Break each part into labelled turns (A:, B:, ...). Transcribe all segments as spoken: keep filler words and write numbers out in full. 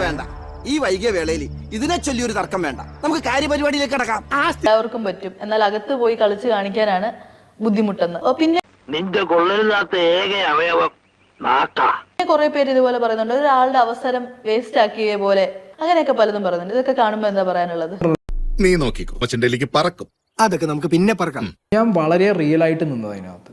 A: വേണ്ട. ഈ വൈകിയ വേളയിൽ ഇതിനെ ചൊല്ലിയൊരു തർക്കം വേണ്ട. നമുക്ക് കാര്യപരിപാടിയിലേക്ക് കടക്കാം.
B: എല്ലാവർക്കും പറ്റും, എന്നാൽ അകത്ത് പോയി കളിച്ച് കാണിക്കാനാണ് ബുദ്ധിമുട്ടെന്ന്. പിന്നെ
C: നിന്റെ കൊള്ളരുതാത്ത ഏക അവയവം നാക്കാ.
B: കുറെ പേര് ഇതുപോലെ പറയുന്നുണ്ട്, ഒരാളുടെ അവസരം വേസ്റ്റ് ആക്കിയ പോലെ, അങ്ങനെയൊക്കെ പലതും പറയുന്നുണ്ട്. ഇതൊക്കെ കാണുമ്പോ എന്താ പറയാനുള്ളത്?
D: നീ നോക്കിക്കോ, കൊച്ചിന്റെ പറക്കും.
A: അതൊക്കെ നമുക്ക് പിന്നെ പറക്കാം.
E: ഞാൻ വളരെ റിയൽ ആയിട്ട് നിന്നത് അതിനകത്ത്.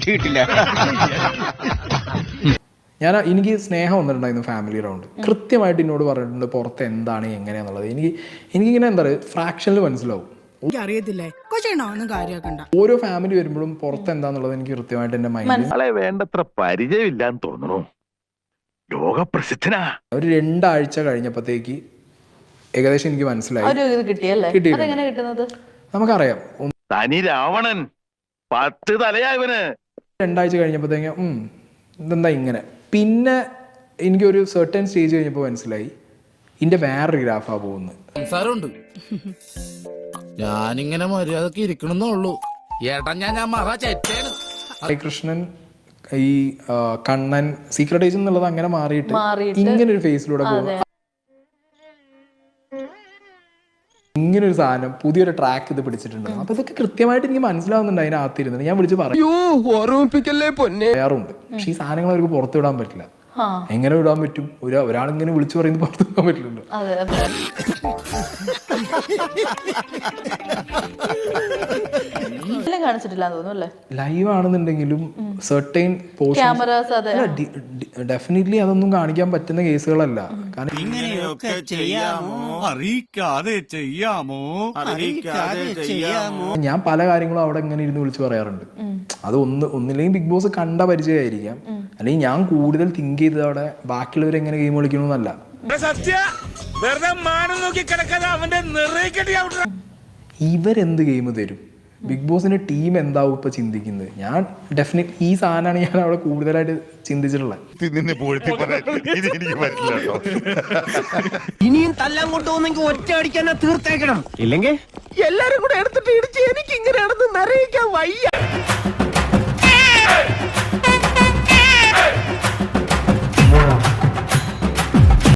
E: ഞാൻ എനിക്ക് സ്നേഹം വന്നിട്ടുണ്ടായിരുന്നു ഫാമിലി റൗണ്ട്. കൃത്യമായിട്ട് എന്നോട് പറഞ്ഞിട്ടുണ്ട് പുറത്ത് എന്താണ് എങ്ങനെയാന്നുള്ളത്. എനിക്ക് എനിക്കിങ്ങനെ എന്താ പറയുക ഫ്രാക്ഷനിൽ മനസ്സിലാവും.
F: അറിയത്തില്ലേ
E: ഓരോ ഫാമിലി വരുമ്പോഴും പുറത്ത് എന്താന്നുള്ളത് എനിക്ക് കൃത്യമായിട്ട് എന്റെ മൈൻഡിൽ
C: വേണ്ടത്ര പരിചയമില്ലാന്ന് തോന്നുന്നു. ലോകപ്രസിദ്ധനാ.
E: ഒരു രണ്ടാഴ്ച കഴിഞ്ഞപ്പോഴത്തേക്ക് ഏകദേശം എനിക്ക് മനസ്സിലായി.
B: കിട്ടിയല്ലേ? കിട്ടുന്നത്
E: നമുക്കറിയാം.
C: തനി രാവണൻ പത്ത് തലയായവന്.
E: രണ്ടാഴ്ച കഴിഞ്ഞപ്പോഴത്തേക്ക് ഉം ഇതെന്താ ഇങ്ങനെ. പിന്നെ എനിക്കൊരു സെർട്ടൻ സ്റ്റേജ് കഴിഞ്ഞപ്പോൾ മനസ്സിലായി ഇതിന്റെ വേറൊരു ഗ്രാഫാ പോകുന്നത്.
G: സംസാരമുണ്ട്, ഞാനിങ്ങനെ മര്യാദക്ക് ഇരിക്കണമെന്നുള്ളൂ. ഏട്ടാ ഞാൻ ഞാൻ മറ ചേട്ടാണ്.
E: കൃഷ്ണൻ ഈ കണ്ണൻ സീക്രട്ട് ഏജന്റ് എന്നുള്ളത് അങ്ങനെ മാറിയിട്ട് ഇങ്ങനെ ഒരു ഫേസിലൂടെ പോകുക. ഇങ്ങനെ ഒരു സാധനം പുതിയൊരു ട്രാക്ക് ഇത് പിടിച്ചിട്ടുണ്ട്. അപ്പൊ ഇതൊക്കെ കൃത്യമായിട്ട് എനിക്ക് മനസ്സിലാവുന്നുണ്ട്. അതിനകത്തിരുന്നത് ഞാൻ വിളിച്ച് പറയാറുണ്ട്. പക്ഷെ ഈ സാധനങ്ങൾ അവർക്ക് പുറത്തു വിടാൻ പറ്റില്ല. എങ്ങനെ വിടാൻ പറ്റും? ഒരു ഒരാളിങ്ങനെ വിളിച്ചു പറയുന്നത് പുറത്തു വിടാൻ പറ്റില്ലല്ലോ. ലൈവ് ആണെന്നുണ്ടെങ്കിലും സെർട്ടൈൻ ഡെഫിനറ്റ്ലി അതൊന്നും കാണിക്കാൻ പറ്റുന്ന കേസുകളല്ല. കാരണം ഞാൻ പല കാര്യങ്ങളും അവിടെ ഇങ്ങനെ ഇരുന്ന് വിളിച്ച് പറയാറുണ്ട്. അത് ഒന്ന് ഒന്നില്ലെങ്കിൽ ബിഗ് ബോസ് കണ്ട പരിചയമായിരിക്കാം, അല്ലെങ്കിൽ ഞാൻ കൂടുതൽ തിങ്ക് ചെയ്തത് അവിടെ ബാക്കിയുള്ളവർ എങ്ങനെ ഗെയിം കളിക്കണമെന്നല്ല. ഇവരെന്ത് ഗെയിം തരും? ബിഗ് ബോസിന്റെ ടീം എന്താവും ഇപ്പൊ ചിന്തിക്കുന്നത്? ഞാൻ ഡെഫിനറ്റ് ഈ സാധനമാണ് ഞാൻ അവിടെ കൂടുതലായിട്ട് ചിന്തിച്ചിട്ടുള്ളത്.
A: ഇനിയും തല്ലാൻ കൊണ്ടുപോകുന്നെങ്കിൽ ഒറ്റ അടിക്കാൻ തീർത്തേക്കണം, ഇല്ലെങ്കിൽ എല്ലാരും കൂടെ എടുത്തിട്ട് ഇടിച്ച് എനിക്ക് ഇങ്ങനെയാണെന്ന് നിറയിക്കാൻ വയ്യ.